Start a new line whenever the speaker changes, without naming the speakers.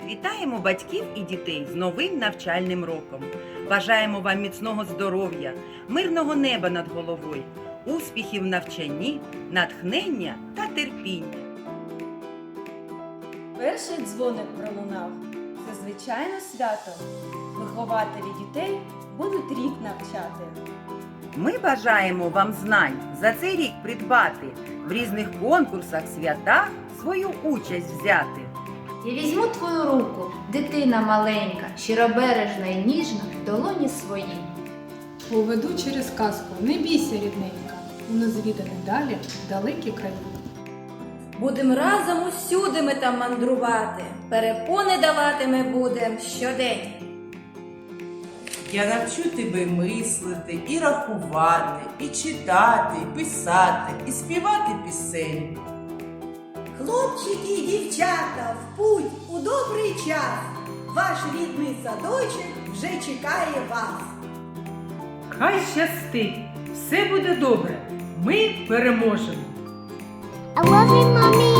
Вітаємо батьків і дітей з новим навчальним роком. Бажаємо вам міцного здоров'я, мирного неба над головою, успіхів в навчанні, натхнення та терпіння.
Перший дзвоник пролунав. Це звичайно свято. Вихователі дітей будуть рік навчати.
Ми бажаємо вам знань за цей рік придбати, в різних конкурсах, святах свою участь взяти.
Я візьму твою руку, дитина маленька, щиробережна і ніжна, в долоні свої.
Поведу через казку, не бійся, рідненька, у незвідані далі далекі краї.
Будем разом усюди ми там мандрувати, перепони давати ми будем щодень.
Я навчу тебе мислити, і рахувати, і читати, і писати, і співати пісень.
Хлопчики і дівчата, в путь у добрий час. Ваш рідний садочок вже чекає вас.
Хай щастить, все буде добре, ми переможемо.
I love you, mommy.